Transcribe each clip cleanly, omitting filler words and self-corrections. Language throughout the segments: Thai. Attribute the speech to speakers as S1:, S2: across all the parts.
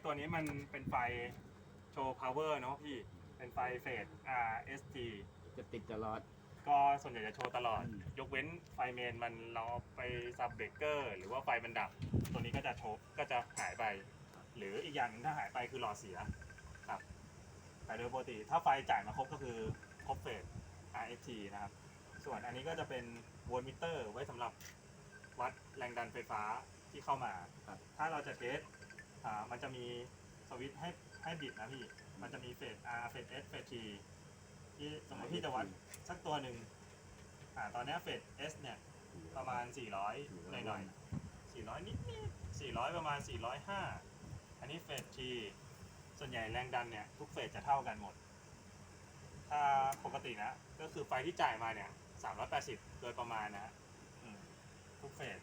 S1: ตัวนี้มันเป็นไฟโชว์ power เนาะพี่เป็นไฟเฟสRST
S2: จะติดตลอด
S1: ก็ส่วนใหญ่จะโชว์ตลอด
S2: อืม
S1: ยกเว้นไฟเมนมันเราเอาไปซับเบรกเกอร์หรือว่าไฟมันดับ ตัวนี้ก็จะโชว์ก็จะหายไป หรืออีกอย่างหนึงถ้าหายไปคือหลอดเสียครับแต่โดยปกติถ้าไฟจ่ายมาครบก็คือครบเฟส RST นะครับ ส่วนอันนี้ก็จะเป็นโวลต์มิเตอร์ไว้สำหรับวัดแรงดันไฟฟ้าที่เข้ามาถ้าเราจะเทสมันจะมีสวิตช์ให้บิดนะพี่ มันจะมีเฟส R เฟส S เฟส T ที่สมมติพี่จะวัดสักตัวหนึ่งตอนนี้เฟส S เนี่ยประมาณ 400 หน่อยๆ 400 นิดๆ 400 ประมาณ 405 อันนี้เฟส T ส่วนใหญ่แรงดันเนี่ยทุกเฟสจะเท่ากันหมด ถ้าปกตินะก็คือไฟที่จ่ายมาเนี่ย380 โดยประมาณนะฮะทุกเฟส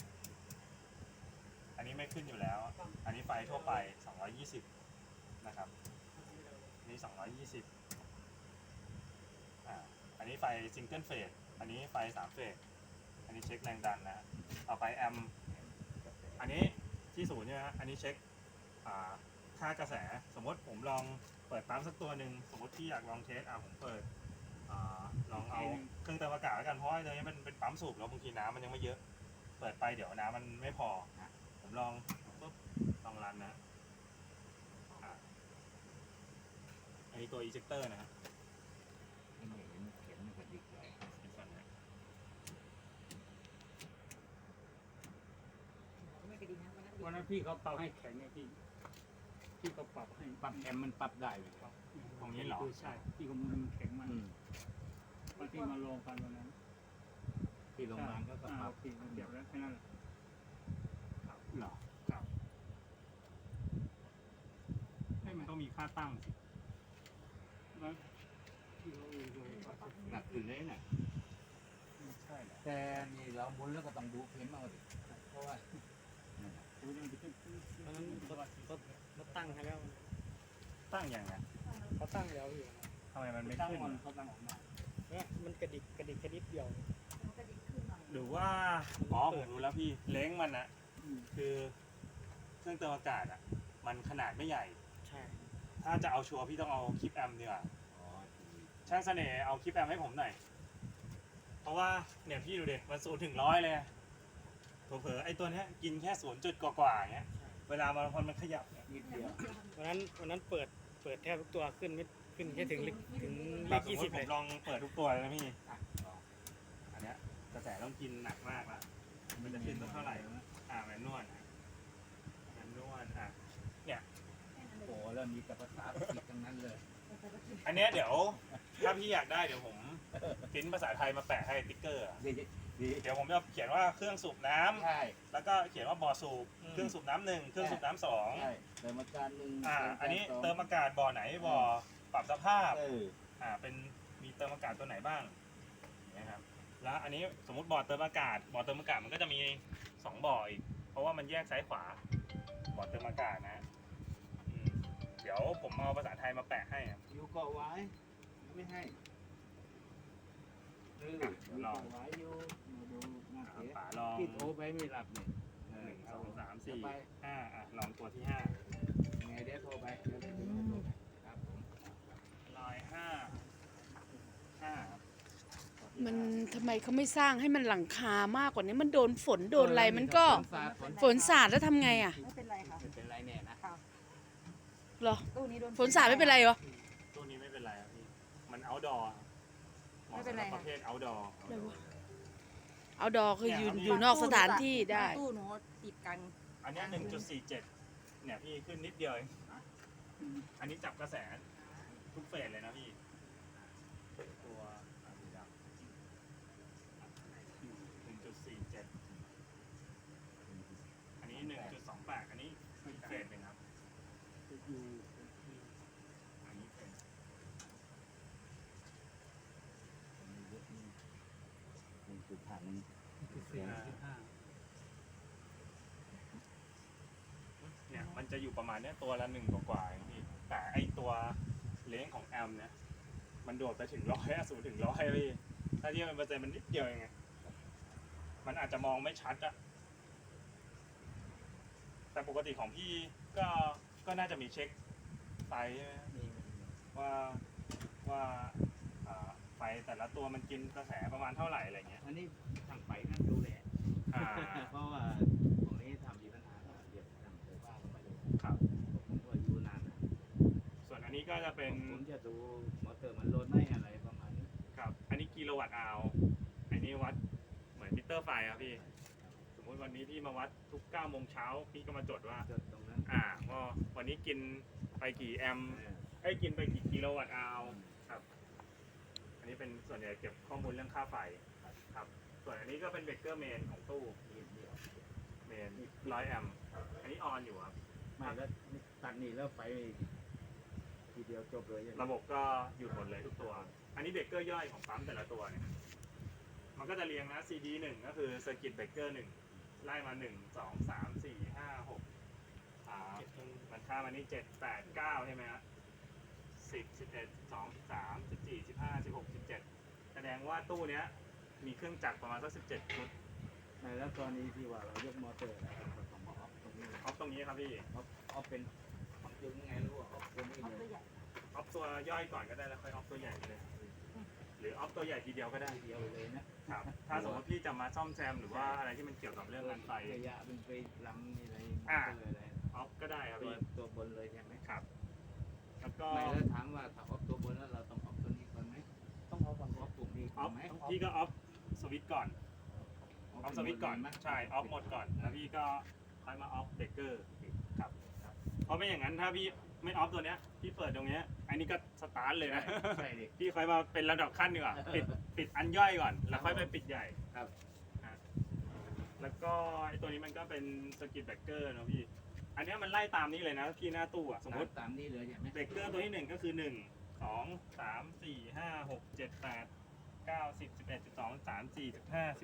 S1: อันนี้ไม่ขึ้นอยู่แล้ว อันนี้ไฟทั่วไป 220 นะครับอันนี้ 220อันนี้ไฟซิงเกิลเฟส อันนี้ไฟ3เฟส อันนี้เช็คแรงดันนะต่อไปแอมป์อันนี้ที่ศูนย์ใช่ไหมฮะอันนี้เช็คค่ากระแส สมมติผมลองเปิดปั๊มสักตัวหนึ่งสมมติที่อยากลองเทสผมเปิดลองเอาเครื่องเติมอากาศแล้วกันเพราะว่าตัวนี้มันเป็นปั๊มสูบแล้วบางทีน้ำมันยังไม่เยอะ เปิดไปเดี๋ยวน้ำมันไม่พอผมลองปุ๊บลองรันนะอันนี้ตัวอีเจคเตอร์นะฮะ
S2: ไม่เห็นเข็มมันกระดิกเลย
S1: เป็นฟันนะ
S3: ไม่กระดิ่งนะ
S4: วันนั้นพี่เขาปรับให้แข็งไงพี่เขาปรับให้
S2: ปรับแอมมันปรับได้เลย
S1: ตรงนี้เหรอ
S4: ใช่พี่เขามันแข็งมาก
S2: อืม
S4: วันที่มาลงกันวันนั้น
S2: ที่โรงพยาบาลก็ปรับ
S4: พี่มันเดียวแล้วแค่นั้นแหละ
S1: เหรอ
S4: ครับ
S1: ให้มันต้องมีค่าตั้งสิ
S4: แล้วพี่เขาเลย
S2: หนักขึ้นเลยน่ะ
S4: ใช่แหละ
S2: แต่นี่เราหมุนแล้วก็ต้องดูเข็มเอาดิเพราะว่านั่นน่ะ
S4: ดูมันจะเป็น
S5: เขาตั้งให้แล้ว
S1: ตั้งยังไง
S5: เขาตั้งแล้วอยู่
S1: ทำไมมันไม่
S4: ตั้ง
S1: ขึ้น
S4: มันเขาตั้งออกมา
S5: เนี่ยมันกระดิกแค่นิดเดียว
S3: กระดิ่งขึ้นหน่อย
S1: หรือว่าผมรู้แล้วพี่เล้งมันนะคือเครื่องเติมอากาศมันขนาดไม่ใหญ่
S5: ใช่
S1: ถ้าจะเอาชัวร์พี่ต้องเอาคลิปแอมป์ดีกว่า
S2: อ๋อ
S1: ช่างเสน่ห์เอาคลิปแอมป์ให้ผมหน่อย เพราะว่าเนี่ยพี่ดูดิมัน0 ถึง 100เลยเผลอๆไอ้ตัวเนี้ยกินแค่0 จุดกว่าๆเงี้ยเวลามันขยับเนี่ย
S2: นิดเดียว
S5: วันนั้นเปิดแทบทุกตัวขึ้นแค่ถึงเลข
S1: แบบ
S5: 20
S1: สมมติผ
S5: เล
S1: ม
S5: ย
S1: ลองเปิดทุกตัวเลยนะพี่อันเนี้ยกระแสต้องกินหนักมากละมันจะขึ้นสักเท่าไหร่แมนนวลแมนนวลเนี่ย
S2: โอ้โหแล้วมีแต่ภาษาอังกฤษทั้งนั้นเลย
S1: อันเนี้ยเดี๋ยวถ้าพี่อยากได้เดี๋ยวผมพิมพ์ภาษาไทยมาแปะให้ติ๊กเกอร์
S2: ดีดี
S1: เดี๋ยวผมจะเขียนว่าเครื่องสูบน้ำ
S2: ใช่
S1: แล้วก็เขียนว่าบ่อสูบเครื่องสูบน้ำ 1เครื่องสูบน้ำ
S2: ใช่เติมอาการหนึ่ง
S1: 2อันนี้เติมอากาศบ่อไหนบ่อปรับสภาพ เป็นมีเติมอากาศตัวไหนบ้างนะครับแล้วอันนี้สมมุติบ่อเติมอากาศมันก็จะมี2บ่ออีกเพราะว่ามันแยกซ้ายขวาบ่อเติมอากาศนะเดี๋ยวผมเอาภาษาไทยมาแปะให้ครับ
S2: อยู่เกาะไว้ไม่ให้ลองไว้อยู่มาดูมาเสีย
S1: ป๋าลอง
S2: พี่โทรไปไม่รับเนี่ย
S1: 1 2 3 4
S2: ไป
S1: 5ลองตัวที่
S2: ไงเดี๋ยวโทรไปเดี๋ยวโทรไปครับผม
S1: 5ลอย5
S6: มันทำไมเขาไม่สร้างให้มันหลังคามากกว่านี้มันโดนฝนโดนอะไรมันก็ฝนสาดแล้วทำไงอ่ะ
S3: ไม่เป็นไรค่ะ
S2: เป็นไรแน่นะ
S6: เหรอ
S3: ตู้นี้โดน
S6: ฝนสาดไม่เป็นไรเหรอ
S1: ตัวนี้ไม่เป็นไรครับพี่มัน outdoor
S3: ไม่เป็นไร
S1: ประเภท outdoor
S6: เอาดอคืออยู่นอกสถานที่ได้
S3: ตู้หนูติดกัน
S1: อันเนี้ย1.47 เนี่ยพี่ขึ้นนิดเดียวเองอันนี้จับกระแสทุกเฟสเลยนะพี่ตัวสีดำ1.47 อันนี้ 1.28 อันนี้อีกเฟสหนึ่งครับ
S4: อยู่
S1: อันนี้เฟส
S4: 4.5
S1: เนี่ยมันจะอยู่ประมาณเนี้ยตัวละ1 กว่าๆเองพี่แต่ไอตัวเลนส์ของแอมเนี่ยมันโดดไปถึง0 ถึง 100พี่ถ้าเทียบเป็นเปอร์เซ็นต์มันนิดเดียวเองไงมันอาจจะมองไม่ชัดอะแต่ปกติของพี่ก็ก็น่าจะมีเช็คไฟใช่ไหม
S2: นี่
S1: ว่าไฟแต่ละตัวมันกินกระแสประมาณเท่าไหร่อะไรเงี้ย
S2: อันนี้ทางไปนั่นดูแล
S1: อ่า
S2: เพราะว่าตรงนี้ทำมีปัญหาเดี๋ยวทำไฟฟ้าเข้าไปดู
S1: ครับ
S2: ผมก็อยู่นานนะ
S1: ส่วนอันนี้ก็จะเป็น
S2: ผมจะดูมอเตอร์มันลดไหมอะไรประมาณนี้
S1: ครับอันนี้กิโลวัตต์อาวอันนี้วัดเหมือนมิเตอร์ไฟครับพี่สมมติวันนี้พี่มาวัดทุก9โมงเช้าพี่ก็มาจดว่า
S2: จดตรงนั้น
S1: ว่าวันนี้กินไปกี่แอมป์
S2: เออ
S1: ไอ้ยกินไปกี่กิโลวัตต์อาวครับอันนี้เป็นส่วนใหญ่เก็บข้อมูลเรื่องค่าไฟครับส่วนอันนี้ก็เป็นเบรกเกอร์เมนของตู้
S2: นี่เดียว
S1: เมน100 แอมป์อันนี้ออนอยู่ครับ
S2: ไม่แล้วตัดนี่แล้วไปทีเดียวจบเลยใช่ไหม
S1: ระบบก็หยุดหมดเลยทุกตัว อันนี้เบรกเกอร์ย่อยของปั๊มแต่ละตัวเนี่ยมันก็จะเรียงนะ CD 1ก็คือ Circuit Breaker 1ไล่มา1 2 3 4 5 6มันค่ามานี่7 8 9ใช่ไหมฮะ10 11 12 13 14 15 16 17แสดงว่าตู้เนี้ยมีเครื่องจักรประมาณสัก17ชุด
S2: ไม่แล้วตอนนี้ที่ว่าเรายกมอเตอร์แล้วเราต้องมาออฟตรงนี้
S1: ออฟตรงนี้ครับพี่
S2: ออฟเป็นออฟยังไงรู้ว่าออฟตรงนี้
S3: เอา
S2: เล
S3: ตัวย ใหญ่
S1: ออฟตัวย่อยก่อนก็ได้แล้วค่อยออฟตัวใหญ่ไปเลย หรือออฟตัวใหญ่ทีเดียวก็ได้
S2: ทีเดียวเลยนะครับ
S1: ถ้าสมมติพี่จะมาซ่อมแซมหรือว่าอะไรที่มันเกี่ยวกับเรื่องงานไฟ
S2: ระยะเป็นไปลำนี่อะไรมอ
S1: อ่า
S2: เตอร์อะไร
S1: ออฟก็ได้ครับ
S2: ตัว
S1: พี่
S2: ตัวบนเลยใช่ไหม
S1: ครับ แล้วก็
S2: ไม่แล้วถามว่าถ้าออฟตัวบนแล้วเราต้องออฟตัวนี้ก่อนไหม
S5: ต้องเอาก่อน
S2: ออฟปุ่มนี้
S1: อ
S2: ก่
S1: อ
S2: อน
S1: ฟ
S2: ไหม
S1: พี่ก็ออฟสวิตช์ก่อนออฟสวิตช์ก่อนใช่ออฟหมดก่อนแล้วพี่ก็ค่อยมาออฟเบรกเกอร์ครับเพราะไม่อย่างนั้นถ้าพี่ไม่ออฟตัวเนี้ยพี่เปิดตรงเนี้ยอันนี้ก็สตาร์ทเลยนะ
S2: ใช่ดิ
S1: พี่ค่อยมาเป็นระดับขั้นดีกว่าปิดอันย่อยก่อนแล้วค่อยไปปิดใหญ่
S2: ครับ
S1: อ่ะแล้วก็ไอ้ตัวนี้มันก็เป็นสกิทเบรกเกอร์นะพี่อันเนี้ยมันไล่ตามนี้เลยนะพี่หน้าตู้อะสมมติ
S2: ตามนี้เลยใช่ไหม
S1: เบรกเกอร์ตัวที่หนึ่งก็คือ1 2 3 4 5 6 7 8 9 10 11 12 13 14 15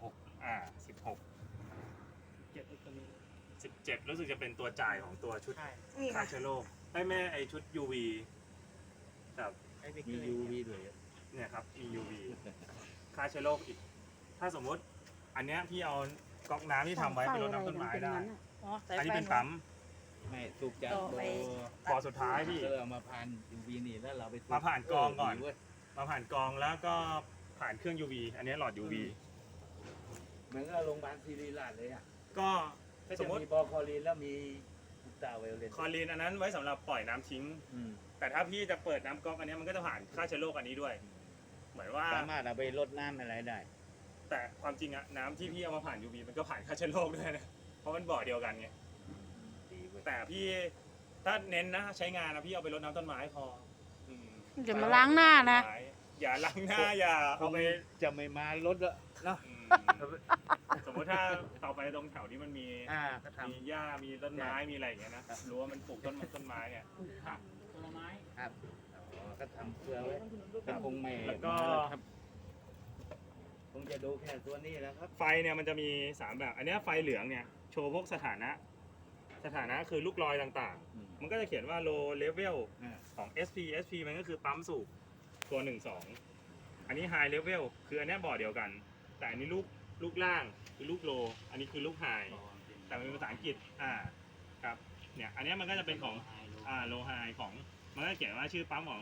S1: 16 16
S5: เก็บไว้ตรงนี้
S1: 17รู้สึกจะเป็นตัวจ่ายของตัวชุด
S5: ใช่
S3: นี่
S1: ฆ่า
S3: ค่ะ
S1: เชื้อโรคได้แม่ไอชุด UV กับ
S5: ไอ้เบเก
S2: มี
S5: อร์
S2: UV ด้วย
S1: เนี่ยครับมี UV ฆ่าเชื้อโรคอีก ถ้าสมมุติอันเนี้ยพี่เอาก๊อกน้ำที่ทำไว้ไปรดน้ำต้นไม้ได้
S3: อ๋อสาย
S1: อันนี้
S3: ไฟ
S1: เป็นปั๊ม
S2: ไม่สูบจาก
S3: ต่อไป
S1: บ่อสุดท้ายพี่
S2: เรามาผ่าน UV นี่แล้วเราไปสูบ
S1: มาผ่านกรองก่อน
S2: ดีเว้ย
S1: มาผ่านกรองแล้วก็ผ่านเครื่อง UV อันนี้หลอด UV
S2: เหมือนกับโรงพยาบาลศิริราชเลยอ่ะ
S1: ก็
S2: ก็
S1: ส
S2: จะ
S1: มมติ
S2: มีบอคอลีนแล้วมีอุลตราไวโอเลต
S1: คลอรีนอันนั้นไว้สำหรับปล่อยน้ำทิ้ง แต่ถ้าพี่จะเปิดน้ำก๊อกอันนี้มันก็จะผ่านฆ่าเชื้อโรคอันนี้ด้วย เหมือนว่า
S2: สามารถเอาไปรดน้ำอะไรได้
S1: แต่ความจริงอะน้ำที่พี่เอามาผ่าน UV มันก็ผ่านฆ่าเชื้อโรคด้วยนะ เพราะมันบ่อเดียวกันไง
S2: ดีเว้ย
S1: แต่พี่ถ้าเน้นนะใช้งานนะพี่เอาไปรดน้ำต้นไม้พออืม
S6: อย่ามาล้างหน้านะ
S1: อย่าล้างหน้าอย่าเอาไป
S2: จะไม่มารถละเนาะ
S1: อืมสมมติถ้าต่อไปตรงแถวนี้มันมี
S2: ก็ท
S1: มีหญ้ามีต้นไม้มีอะไรอย่างเงี้ยนะรู้ว่ามันปลูกต้นไม้เนี่ย
S5: ผลไม้
S2: ำครับก็ทำเพื่อไว้เป็นคงไม่
S1: แล้วก็
S2: มาครับคงจะดูแค่ตัวนี้แหล้วครับ
S1: ไฟเนี่ยมันจะมี3แบบอันเนี้ยไฟเหลืองเนี่ยโชว์พวกสถานะคือลูกรอยต่างๆ มันก็จะเขียนว่า low level ของ SP มันก็คือปั๊มสูบตัว 1 2 อันนี้ high level คืออันเนี้ยบ่อเดียวกัน แต่อันนี้ลูกล่างคือลูก low อันนี้คือลูก high แต่มันเป็นภาษาอังกฤษครับเนี่ยอันเนี้ยมันก็จะเป็นของlow high ของมันก็จะเขียนว่าชื่อปั๊มของ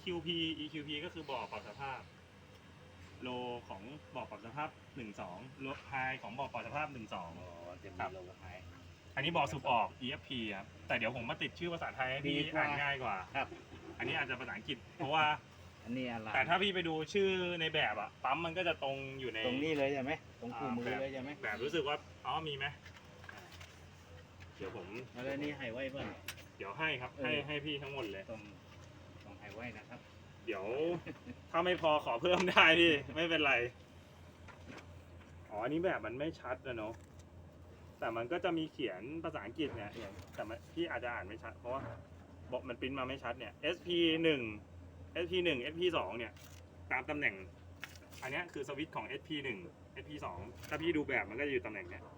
S1: EQP ก็คือบ่อปรับสภาพ low ของบ่อปรับสภาพ 1 2 low high ของบ่อปรับสภาพ 1
S2: อ๋อ
S1: 2
S2: จะมีโลโก้ให้
S1: อันนี้บ่อสูบออก EFP ครับ แต่เดี๋ยวผมมาติดชื่อภาษาไทยให้พี่
S2: ดีกว่า
S1: อ่านง่ายกว่า
S2: ครับ
S1: อันนี้อาจจะภาษาอังกฤษ เพราะว่า
S2: อันนี้อะไร
S1: แต่ถ้าพี่ไปดูชื่อในแบบอะปั๊มมันก็จะตรงอยู่ใน
S2: ตรงนี้เลยใช่ไหมตรงคู่มือเลยใช่ไหม
S1: แบบรู้สึกว่าอ๋อมีไหมเดี๋ยวผม
S2: แล้วนี่ให้ไว้เพื่อน
S1: เดี๋ยวให้ครับ ให้พี่ทั้งหมดเลย
S2: ต้องให้ไว้นะครับ
S1: เดี๋ยว ถ้าไม่พอขอเพิ่มได้พี่ ไม่เป็นไร อ๋ออันนี้แบบมันไม่ชัดนะเนาะแต่มันก็จะมีเขียนภาษาอังกฤษเนี่ยแต่พี่อาจจะอ่านไม่ชัดเพราะว่าบอกมันปริ้นมาไม่ชัดเนี่ย SP 1 SP 1 SP 2เนี่ยตามตำแหน่ง อันเนี้ยคือสวิตช์ของ SP 1 SP 2ถ้าพี่ดูแบบมันก็จะอยู่ตำแหน่งเนี้ย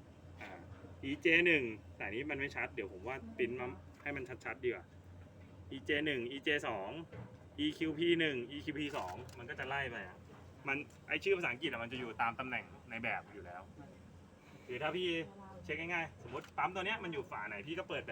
S1: EJ 1แต่อันนี้มันไม่ชัดเดี๋ยวผมว่าปริ้นมาให้มันชัดๆดีกว่า EJ 1 EJ 2 EQP 1 EQP 2มันก็จะไล่ไปอ่ะมันไอชื่อภาษาอังกฤษอะมันจะอยู่ตามตำแหน่งในแบบอยู่แล้วคือถ้าพี่เช็คง่ายๆสมมติปั๊มตัวเนี้ยมันอยู่ฝาไหนพี่ก็เปิดแบบ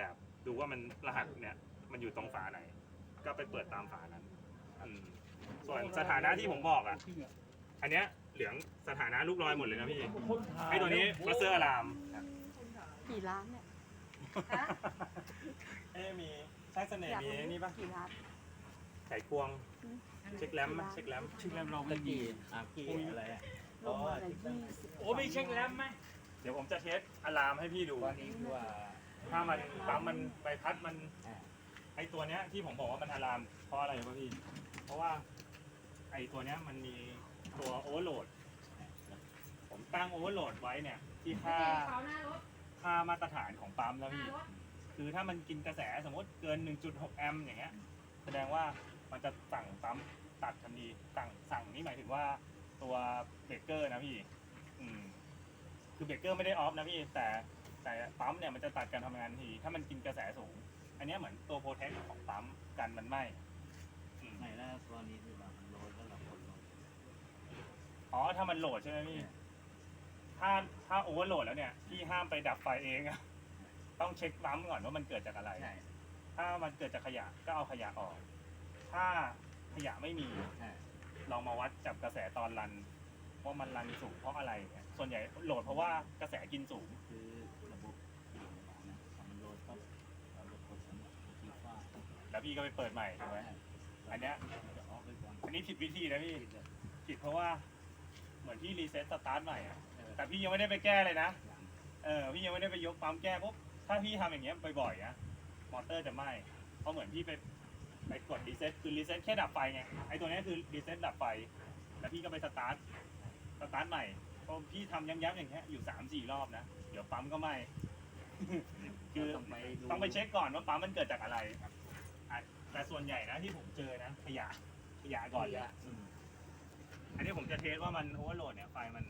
S1: ดูว่ามันรหัสเนี่ยมันอยู่ตรงฝาไหน ก็ไปเปิดตามฝานั้นส่วนสถานะที่ผมบอกอ่ะอันเนี้ยเหลืองสถานะลูกลอยหมดเลยนะพี่ไอ้ตัวนี้บัสเซอร์อะลาม
S6: กี่ล้านเนี่ย
S3: ฮะ
S1: มีใช้เสน่ห์มีไอ้นี่ปะ
S6: กี่ล้าน
S1: ไข่ควงเช็คแรมไหมเช็คแรม
S4: ชื่อแรมเราไม่มี
S2: กี่อะไรอ่ะ
S6: ลงมาละ20
S4: โอ้ไม่เช็คแรมไหม
S1: เดี๋ยวผมจะเทสอะลามให้พี่ดู
S2: ตอนนี้คือว่า
S1: ถ้ามันปั๊มมันใบพัดมัน
S2: อ่า
S1: ไอตัวเนี้ยที่ผมบอกว่ามันอะลามเพราะอะไรวะพี่ เพราะว่าไอตัวเนี้ยมันมีตัวโอเวอร์โหลด ผมตั้งโอเวอร์โหลดไว้เนี่ยที่ค่า
S3: เขาหน้ารถ
S1: ค่ามาตรฐานของปั๊มแล้ว
S3: หน้า
S1: พี่
S3: รถ
S1: คือถ้ามันกินกระแสสมมติเกิน 1.6 แอมป์อย่างเงี้ย แสดงว่ามันจะสั่งปั๊มตัดทันทีสั่งนี่หมายถึงว่าตัวเบรกเกอร์นะพี่ คือเบรกเกอร์ไม่ได้ออฟนะพี่ แต่ปั๊มเนี่ยมันจะตัดการทำงานทันที ถ้ามันกินกระแสสูง อันเนี้ยเหมือนตัวโปรเทคของปั๊มกันมันไหม้อืม
S2: ไหนแล้วตอนนี้คือว่ามันโรยแล้วเราคนโรย
S1: อ๋อ ถ้ามันโหลดใช่ไหมพี่ ถ้าโอเวอร์โหลดแล้วเนี่ย พี่ห้ามไปดับไฟเองอะต้องเช็คปั๊มก่อนว่ามันเกิดจากอะไร
S2: ใช่
S1: ถ้ามันเกิดจากขยะก็เอาขยะออก ถ้าขยะไม่มี
S2: ใช่
S1: ลองมาวัดจับกระแสตอนรันว่ามันรันสูงเพราะอะไรเนี่ยส่วนใหญ่โหลดเพราะว่ากระแสกินสูง
S2: คือระบบนะมันโรยก็เราจะกดสำหรับที่ฟ้า
S1: แล้วพี่ก็ไปเปิดใหม่ถูกไหมอันเนี้ย
S2: จะออกไปก่อน
S1: อันนี้ผิดวิธีนะพี่ผิดเพราะว่าเหมือนพี่รีเซ็ตสตาร์ทใหม่อะแต่พี่ยังไม่ได้ไปแก้เลยนะพี่ยังไม่ได้ไปยกปั๊มแก้ปุ๊บถ้าพี่ทำอย่างเงี้ยบ่อยๆนะมอเตอร์จะไหม้เพราะเหมือนพี่ไปกดรีเซ็ตคือรีเซ็ตแค่ดับไฟไงไอตัวเนี้ยคือรีเซ็ตดับไฟแล้วพี่ก็ไปสตาร์ทใหม่พอพี่ทำย้ำๆอย่างเงี้ยอยู่3-4 รอบนะเดี๋ยวปั๊มก็ไหม้ คือ ต้องไปเช็คก่อนว่าปั๊มมันเกิดจากอะไรแต่ส่วนใหญ่นะที่ผมเจอนะขยะก่อนเลยอันนี้ผมจะเทสว่ามันโอเวอร์โหลดเนี่ยไฟมัน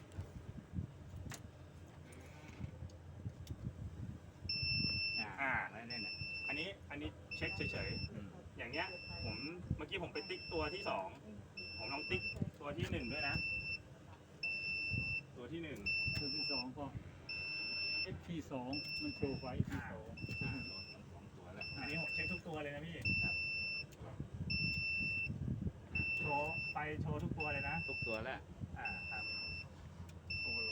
S2: แล้วเนี่ยนะ
S1: อันนี้เช็คเฉยๆอย่างเงี้ยผมเมื่อกี้ผมไปติ๊กตัวที่2ผมลองติ๊กตัวที่1ด้วยนะ ตัวที่1
S4: ตัวที่สองก็ FP2 มันโชว์ไว้ FP2
S2: ตัวแล้ว
S1: อันนี้ผมเช็คทุกตัวเลยนะพี่โชว์ไฟโชว์ทุกตัวเลยนะ
S2: ทุกตัวแล้ว
S1: ครับ
S4: โอ้โห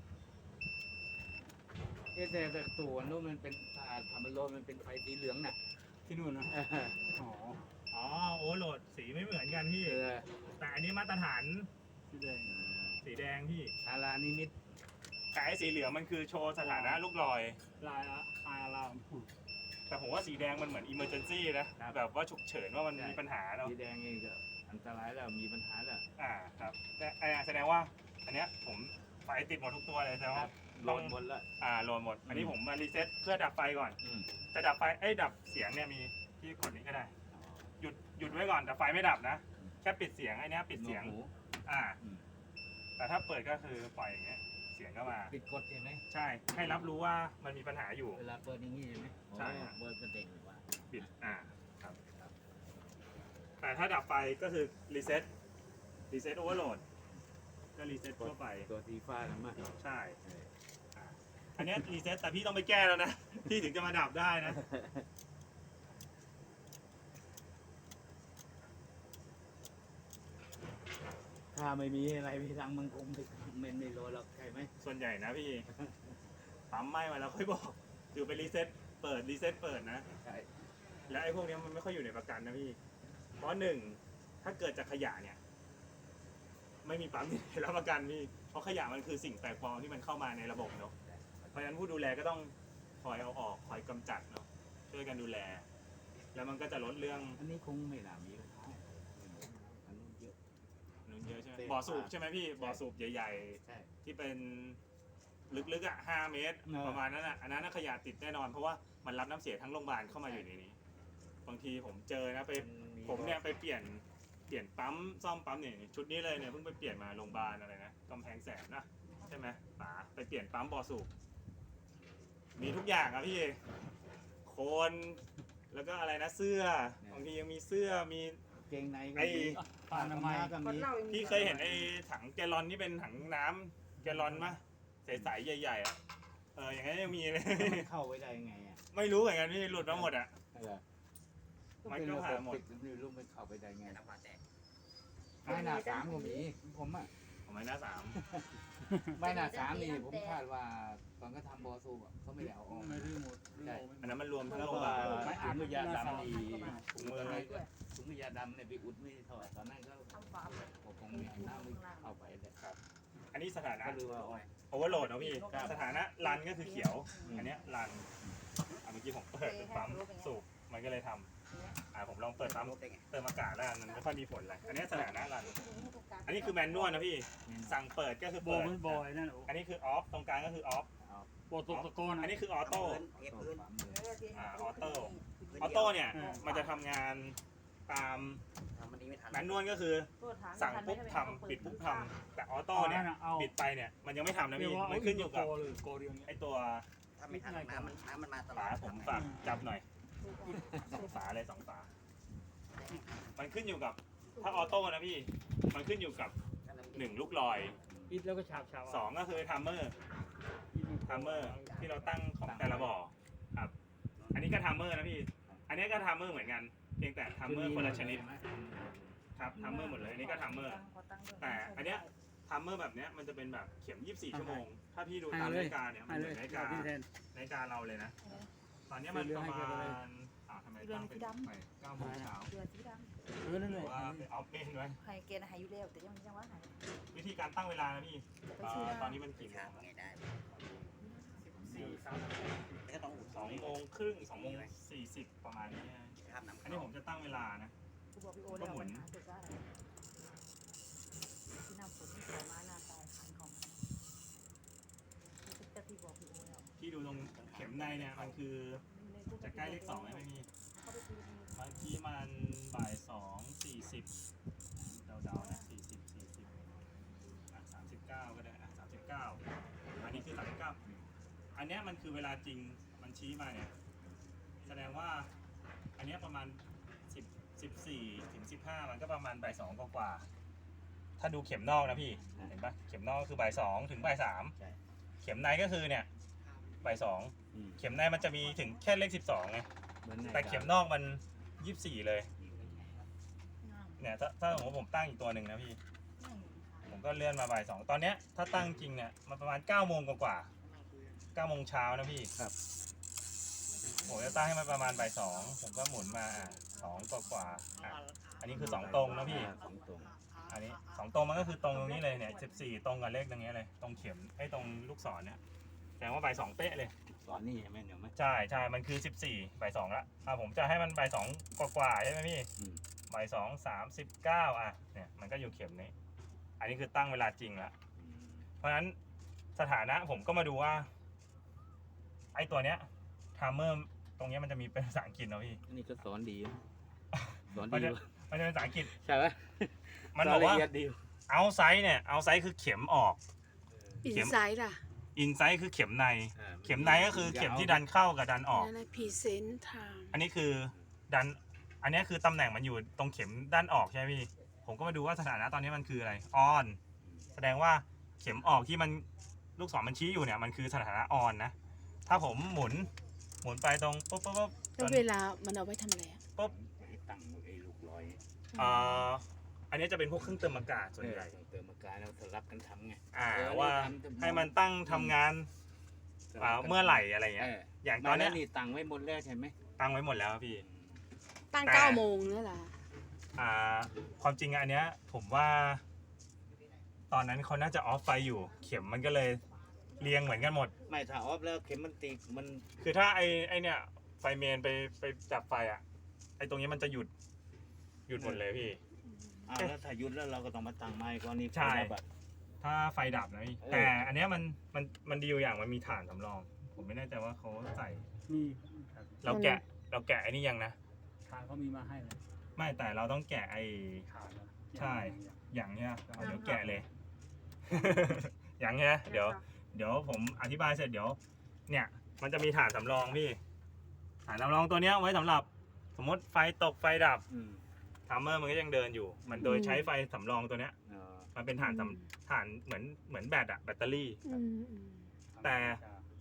S2: แต่ตัวนู้นมันเป็นทำมันโรยมันเป็นไฟสีเหลืองน่ะ
S4: ที่นู่นนะอ๋อ
S1: อ๋อโอเวอร์โหลดสีไม่เหมือนกันพี่ แต่อันนี้มาตรฐาน
S4: สีแดง
S1: สีแดงพี่
S2: ทารานิมิต
S1: แต่ไอ้สีเหลืองมันคือโชว์สถานะลูกลอย
S4: ลายอะลาม
S1: แต่ผมว่าสีแดงมันเหมือน emergency นะ แบบว่าฉุกเฉินว่ามันมีปัญหาเนาะ
S2: สีแดงเองก็อันตรายแล้วมีปัญหาแล้ว
S1: ครับแต่แสดงว่า อันเนี้ยผมไฟติดหมดทุกตัวเลยแสดงว่า
S2: โดนหมดแล้ว
S1: โหลดหมด อันนี้ผมมารีเซ็ตเพื่อดับไฟก่อน จะดับไฟดับเสียงเนี่ยมีที่กดนี้ก็ได้ หยุดไว้ก่อนแต่ไฟไม่ดับนะ แค่ปิดเสียงไอ้เนี้ยปิดเสียง แต่ถ้าเปิดก็คือปล่อยอย่างเงี้ย เสียงก็มา
S2: ปิดกดใช่ไหม
S1: ใช่ ให้รับรู้ว่ามันมีปัญหาอยู่
S2: เวลาเปิดอย่างนี้ใช่ไหม
S1: ใช่
S2: เปิดประเด็นว่า
S1: ปิด ครับ แต่ถ้าดับไฟก็คือรีเซ็ตโอเวอร์โหลด ก็รีเซ็ตทั่วไป
S2: ตัวสีฟ้านะมั้ง
S1: ใช่ อันเนี้ยรีเซ็ตแต่พี่ต้องไปแก้แล้วนะ พี่ถึงจะมาดับได้นะ
S2: ถ้าไม่มีอะไรพี่ทางมันคงไม่โรยหรอกใช่ไหม
S1: ส่วนใหญ่นะพี่ ปั๊มไหม้มาแล้วค่อยบอกคือไปรีเซ็ตเปิดนะ
S2: ใช่
S1: แล้วไอ้พวกเนี้ยมันไม่ค่อยอยู่ในประกันนะพี่ เพราะหนึ่งถ้าเกิดจากขยะเนี่ย ไม่มีปั๊มที่รับประกันพี่ เพราะขยะมันคือสิ่งแปลกปลอมที่มันเข้ามาในระบบเนาะ เพราะฉะนั้นผู้ดูแลก็ต้องคอยเอาออกคอยกำจัดเนาะ ช่วยกันดูแล แล้วมันก็จะลดเรื่อง
S2: อันนี้คงไม่น่ามีปัญหาอันนู้นเยอะ
S1: นู้นเยอะใช่ไหม
S2: เต็ม
S1: บ่อสูบใช่ไหมพี่ บ่อสูบใหญ่
S2: ใช่
S1: ๆ ที่เป็นลึกๆ5 เมตร ประมาณนั้นอันนั้นขยะติดแน่นอน เพราะว่ามันรับน้ำเสียทั้งโรงพยาบาลเข้ามาอยู่ในนี้ บางทีผมเจอนะผมเนี่ยไปเปลี่ยนปั๊มซ่อมปั๊มเนี่ยชุดนี้เลยเนี่ยเพิ่งไปเปลี่ยนมาโรงพยาบาลอะไรนะกำแพงแสนนะใช่ไหมป๋าไปเปลี่ยนปั๊มบ่อสูบมีทุกอย่างอะพี่โคนแล้วก็อะไรนะเสื้อบางทียังมีเสื้อมี
S2: เกงในก็
S1: ไอ้
S2: มี
S4: ผ้าอนามัย
S2: ก็
S3: คน
S2: มี
S3: เรายังมี
S1: พี่เคยเห็นไอ้ถังแกลลอนที่เป็นถังน้ำแกลลอนปะใสๆใหญ่ๆอะอย่างนั้นยังมีเลย
S2: มันเข้าไว้ได้ยังไงอ่ะ
S1: ไม่รู้เหมือนกันพี่หลุดมาหมดอ่ะ
S2: เหรอ
S1: มันก็ผ่านหมด
S2: ไม่รู้มันเข้าไปได้ไงไม้หน้าสามก็มีผมอ่ะ
S1: ผมไม่น่าสาม
S2: ไม้หน้าสามนี่ผมคาดว่าตอนก็ทำบอสูบอะเขาไม่ได้เอาออก
S4: ไม่รื้อหมดรื้อ
S2: ใช่
S4: ออกไม่หม
S1: อัน
S4: ด
S1: นั้นมันรวมทั้ง
S2: แล้ว
S1: โล
S2: ก็
S1: บา
S2: ไม้ถุงมือยาดำนี่
S1: ถุงมือ
S2: ถุงมือยาดำเนี่ยไปอุดไม่ถอดตอนนั้นก็
S3: ทำฟาร์ม
S2: ผมคงมีน้ำไม่เข้าไปเลย
S1: อันนี้สถานะ
S2: ก็รู้ว่าอ๋อ
S1: โอเวอร์โหลดนะพี่สถานะรันก็คือเขียว อันเนี้ยรันเมื่อกี้ผมเปิดปั๊มสูบมันก็เลยทำผมลองเปิดปั๊มเติมอากาศแล้วมันไม่ค่อยมีผลอะไรอันนี้สถานะรันอันนี้คือแมนนวลนะพี่สั่งเปิดก็คือ
S4: โบ
S1: เปิด
S4: มันบอยนั่นโอ้
S1: อันนี้คือออฟตรงกลางก็คือออฟ
S4: โบตกตะกอน
S1: อันนี้คือออโต้ ออโต้
S3: อ
S1: ออโต้เนี่ยมันจะทำงานตามแมนนวลก็คือสั่งปุ๊บทำปิดปุ๊บทำแต่ออโต้เนี่ย
S4: เอา
S1: ปิดไปเนี่ยมันยังไม่ทำนะ
S4: เรีย
S1: พี่
S4: กว่า
S1: มันขึ้นอยู่กับ
S4: เลยโกเดียวเนี้ย
S1: ไอตัว
S7: ถ้าไม่ทันน้ำมันมาตลอ
S1: ฝา
S7: ด
S1: ผมฝากจับหน่อยฝาเลย2 ฝา มันขึ้นอยู่กับถ้าออโต้นะพี่ มันขึ้นอยู่กับ1ลูกลอย
S4: ปิดแล้วก็ฉาบ
S1: 2ก็คือทัมเมอร์ที่เราตั้งของแต่ละบ่อครับอันนี้ก็ทัมเมอร์นะพี่ อันนี้ก็ทัมเมอร์เหมือนกันเพียงแต่ทัมเมอร์คนละชนิดครับทัมเมอร์หมดเลยอันนี้ก็ทัมเมอร์ แต่อันเนี้ยทัมเมอร์แบบเนี้ยมันจะเป็นแบบเข็ม24 ชั่วโมง ถ้าพี่ดูตามนาฬิกาเนี่ยมันเหมือนนาฬิกา
S4: ที่แทน
S1: นาฬิกาเราเลยนะ ตอนเนี้ยมันประมาณทำไมตั้งเป็น9 โมงเช้า
S3: เดือดสีด
S4: นั่น
S1: ห
S4: เล
S1: รื
S4: ย
S1: อว่าเป็นออฟเมนไว้
S3: ำให้เกณฑ์หายอยู่แล้วแต่ยังว่าหาย
S1: วิธีการตั้งเวลานะพี่
S3: ไปชื่อ
S1: ตอนนี้มันกี่โม
S7: ข้าง
S1: ง
S7: ไงได้
S1: 4
S7: ก็ต้องอุด
S1: 2 โมงครึ่ง2 โมง 40 ประมาณนี้นะ
S7: ข้ามน้ำ
S1: อันนี้ผมจะตั้งเวลานะ
S3: กูบอกพี่โอแล้วมันหาจุดได้ที่นำฝนที่สวยมาหน้าตายขายของจะที่บอกพี่โอแล้ว
S1: ที่ดูตรงเข็มในเนี่ยมันคือจะใกล้เลข2ไหมไม่มี
S3: เขาไปคุย
S1: เมื่อกี้มันบ่าย2:40เดาๆนะ39ก็ได้39อันนี้คือ39อันเนี้ยมันคือเวลาจริงมันชี้มาเนี่ยแสดงว่าอันเนี้ยประมาณ14 ถึง 15มันก็ประมาณบ่าย2กว่าๆถ้าดูเข็มนอกนะพี่เห็นปะเข็มนอกก็คือบ่าย2ถึงบ่าย3เข็มในก็คือเนี่ยบ่าย2เข็มในมันจะมีถึงแค่เลข12ไงแต่เข็มนอกมัน24เลยเนี่ยถ้าสมมติผมตั้งอีกตัวหนึ่งนะพี่ผมก็เลื่อนมาบ่าย2ตอนเนี้ยถ้าตั้งจริงเนี่ยมันประมาณ9 โมงกว่า9 โมงเช้านะพี่ผมจะตั้งให้มันประมาณบ่าย2ผมก็หมุนมา2 กว่าอันนี้คือ2 ตรงนะพี่อันนี้2 ตรงมันก็คือตรงตรงนี้เลยเนี่ย14ตรงกับเลขตรงนี้เลยตรงเข็มไอ้ตรงลูกศรเนี่ยแสดงว่าบ่าย2เป๊ะเลย
S2: สอนนี่ใช่ไหมเดี๋ยวไหม
S1: ใช่มันคือ14บ่าย2ละผมจะให้มันบ่าย2กว่าใช่ไหมพี่บ่าย2:39เนี่ยมันก็อยู่เข็มนี้อันนี้คือตั้งเวลาจริงละเพราะฉะนั้นสถานะผมก็มาดูว่าไอ้ตัวเนี้ยทัมเมอร์ตรงนี้มันจะมีเป็นภาษาอังกฤษนะพี่
S2: นี่ก็สอนดีสอน
S1: มัน
S2: ดี
S1: จะเป็นภาษาอังกฤษ
S2: ใช่ไหม
S1: มันบอกว่า
S2: ละเอียดดี
S1: เอาไซส์เนี่ยเอาไซส์คือเข็มออก
S6: อินไซด์ล่ะ
S1: อินไซส์คือเข็มในเข็มในก็คือเข็มที่ดันเข้ากับดันออก
S6: นั่นแหละพรีเซนต์ทาง
S1: อันนี้คือดันอันนี้คือตำแหน่งมันอยู่ตรงเข็มด้านออกใช่ไหมพี่ผมก็มาดูว่าสถานะตอนนี้มันคืออะไรออนแสดงว่าเข็มออกที่มันลูกศรมันชี้อยู่เนี่ยมันคือสถานะออนนะถ้าผมหมุนไปตรงปุ๊บ
S6: แล้วเวลามันเอาไว้ทำอะไรอะ
S2: ตั้งไอ้ลูกลอย
S1: อันนี้จะเป็นพวกเครื่องเติมอากาศส่วนใหญ่
S2: เติมอากาศแล้วสลับกันทำไง
S1: ว่าให้มันตั้งทำงานเมื่อไหร่อะไรเงี้ยอย่างตอนนี้
S2: นี่ตั้งไว้หมดแล้วใช่ไหม
S1: ตั้งไว้หมดแล้วพี่
S6: ตั้ง
S1: แต่
S6: 9 โมงนั่นแหละ
S1: ความจริงอันเนี้ยผมว่าตอนนั้นเขาน่าจะออฟไฟอยู่เข็มมันก็เลยเรียงเหมือนกันหมด
S2: ไม่ถ้าออฟแล้วเข็มมันตีมัน
S1: คือถ้าไอเนี่ยไฟเมนไปจับไฟไอตรงนี้มันจะหยุดหมดเลยพี่
S2: แล้วถ้าหยุดแล้วเราก็ต้องมาตั้งไม้ก่อนนี่
S1: ใช่
S2: แบบ
S1: ถ้าไฟดับนะพี่แต่อันเนี้ยมันดีอยู่อย่างมันมีถ่านสำรอง ผมไม่แน่ใจว่าเขาใส่
S4: มี
S1: เราแกะไอ้นี่ยังนะ
S4: ทางเขามีมาให้เลย
S1: ไม่แต่เราต้องแกะไอ้
S4: ขาด
S1: ใช่ อย่างเนี้ยเอาเดี๋ยวแกะเลย อย่างเนี้ยเดี๋ยวผมอธิบายเสร็จเดี๋ยวเนี่ยมันจะมีฐานสำรองพี่ฐานสำรองตัวเนี้ยไว้สำหรับสมมติไฟตกไฟดับทัมเมอร์มันก็ยังเดินอยู่มันโดยใช้ไฟสำรองตัวเนี้ยมันเป็นฐานเหมือนแบตแบตเตอรี่ แต่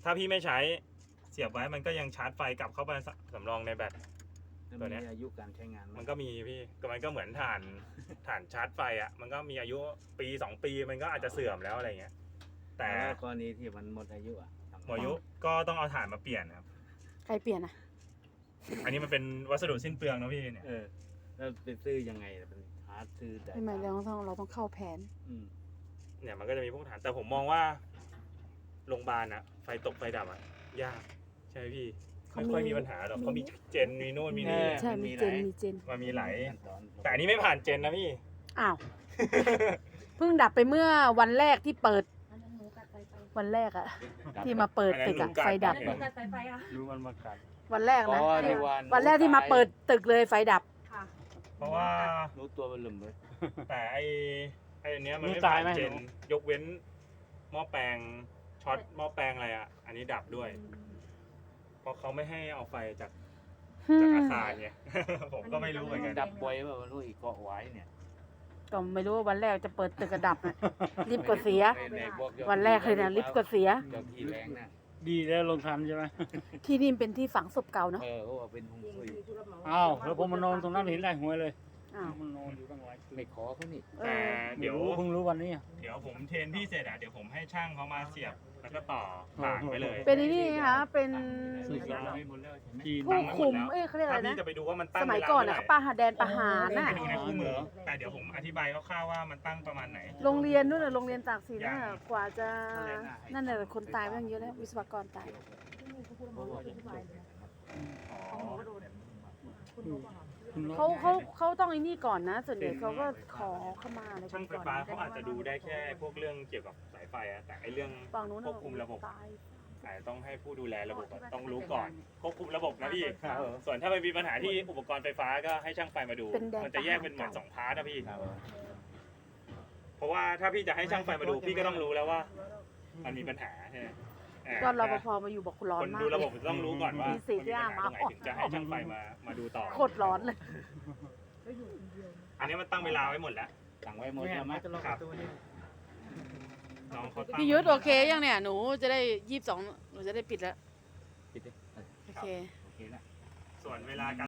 S1: ถ้าพี่ไม่ใช้เสียบไว้มันก็ยังชาร์จไฟกลับเข้าไปสำรองในแบต ตัวเนี้ย
S2: มีอายุการใช้งานไห
S1: มันก็มีพี่ก็มันก็เหมือนถ่านชาร์จไฟอ่ะมันก็มีอายุปี2 ปีมันก็อาจจะเสื่อมแล้วอะไรเงี้ยแต่
S2: แล้วกรณีที่มันหมดอายุอ่ะทำไง
S1: หมดอายุก็ต้องเอาถ่านมาเปลี่ยนครับ
S6: ใครเปลี่ยนอ่ะ
S1: อันนี้มันเป็นวัสดุสิ้นเปลืองนะพี่เนี่ย
S2: แล้วไปซื้อยังไงล่ะเป็นหาซื้อได้
S6: ไม่เราต้องเข้าแผน
S2: อืม
S1: เนี่ยมันก็จะมีพวกถ่านแต่ผมมองว่าโรงพยาบาลอะไฟตกไฟดับอะยากใช่ไหมพี่
S6: เขา
S1: ไม่
S6: มี
S1: ค่อยมีปัญหาหรอกเขามีเจนมีโน่นมีนี่
S6: ใช่มีเจน
S1: มันมีไหล
S2: ขั้นตอน
S1: แต่อันนี้ไม่ผ่านเจนนะพี่
S6: อ้าว เพิ่งดับไปเมื่อวันแรกที่เปิด
S3: อันนั้นหนูกัดสายไฟ
S6: วันแรกอะที่มาเปิดตึกอะไฟดับ
S3: อันนั้นหนูกัดสายไฟค่ะ
S4: รู้มันมากัด
S6: วันแรก
S2: อ๋
S6: นะ
S2: อ
S6: ที่
S2: ที่วัน
S6: วันแรกที่มาเปิดตึกเลยไฟดับ
S3: ค่ะ
S1: เพราะว่า
S2: รู้ตัวมันลืมเลย
S1: แต่ไอ้อันเนี้ยมัน
S4: รู้
S1: ไม่
S4: ตา
S1: ผ่าย น
S4: ไหม
S1: เจนยกเว้นหม้อแปลงช็อตหม้อแปลงอะไรอะอันนี้ดับด้วย เพราะเขาไม่ให้เอาไฟจากอาคารไง ผมก็ไม่รู้เหมือนกัน
S2: ดับบ่อยว่ามันรู้อีกเกาะไว้เนี่ย
S6: ก็ไม่รู้ว่าวันแรกจะเปิดตึกกระดับอะรีบกดเสีย
S2: ในบอกยอด
S6: วันแรกเลยนะรีบกดเสีย
S2: เจ้าที่แรงนะ
S4: ดีแล้วลงทันใช่ไหม
S6: ที่นี่เป็นที่ฝังศพเก่าเนาะ
S2: เขาว่าเป็นหงซุย
S4: อ้าวแล้วผมมานอนตรงนั้นเห็นได้หวยเลย
S6: อ้าว
S4: มันนอนอยู่ตั้งหลายคืน
S2: ไม่ขอเขานี่
S6: เอ
S1: แต่
S6: อ
S1: เดี๋ยว
S4: เพิ่งรู้วันนี้อะ
S1: เดี๋ยวผมเทรนพี่เสร็จอะเดี๋ยวผมให้ช่างเขามาเสียบแล้วก็ต่อผ่านไปเลย
S6: เป็นไอ้นี่คะเป็น
S2: ซื้อสารไม่หมดแล้วใช่ไหม
S4: จีน
S6: ผู้คุมเขาเรียกอะไร
S1: ถ้าพี่
S6: นะ
S1: จะไปดูว่ามันตั้
S6: ส
S1: ง
S6: มัย
S1: เวลา
S6: ก่อน
S1: เท่าไห
S6: อะ
S1: ร่
S6: ป้าหาแดนประหารน่ะ
S1: ไปดูในคู่มือแต่เดี๋ยวผมอธิบายคร่าวๆว่ามันตั้งประมาณไหน
S6: โรงเรียนนู่นน่ะโรงเรียนตากสินน่ะ
S1: ยัง
S6: กว่าจะนั่นแหละคนตายไปตั้งเยอะแล้ววิศวกรตาย
S3: ที่นี่เขาพูดมาว่าอธิบายเลยของหนูก็โดนคุณรู้ป่ะคะ
S4: คุณน้อง
S6: เขาต้องไอ้นี่ก่อนนะ ส่วนใหญ่เขาก็ขอเข้ามาอะไรกั
S1: ช่าง
S6: น
S1: ไฟ
S6: ก่อน
S1: ฟ้าเขาอาจจะดูได้แค่พวกเรื่องเกี่ยวกับสายไฟอะแต่ไอเรื่อง
S6: ฝั่งนู้น
S1: ควบคุมระบบ
S6: ตาย
S1: อาจจะต้องให้ผู้ดูแลระบบอะต้องรู้ก่อนควบคุมระบบนะพี่ส่วนถ้ามันมีปัญหาที่อุปกรณ์ไฟฟ้าก็ให้ช่างไฟมาดู
S6: เป็นแดน
S1: มันจะแยกเป็นเหมือน
S6: ประหาร
S1: 2 พาร์ทนะพี่ เพราะว่าถ้าพี่จะให้ช่างไฟมาดูพี่ก็ต้องรู้แล้วว่า มันมีปัญหาใช่ไหมอ่า
S6: ก็รปภมาอยู่บอกร้อน
S1: คน
S6: มาก
S1: ดูระบบ
S6: เลย
S1: ต้องรู้ก่อนว่า
S6: มีสิทธิ์
S1: มันมีปัญหาตรงไหน
S6: ที่
S1: ถึงจะให้ช่างไฟมาดูต่อ
S6: โคตรร้อนเลย
S1: อันนี้มันตั้งเวลาไว้หมดแล้ว
S2: สั่งไว้หมดแล้วไหม
S1: ครับน้องเขาตั้ง
S6: พี่ยุทธโอเคยังเนี่ยหนูจะได้22หนูจะได้ปิดแล้ว
S2: ปิดดิ
S6: โอเค
S2: โอเคนะ
S1: ส่วนเวลาการ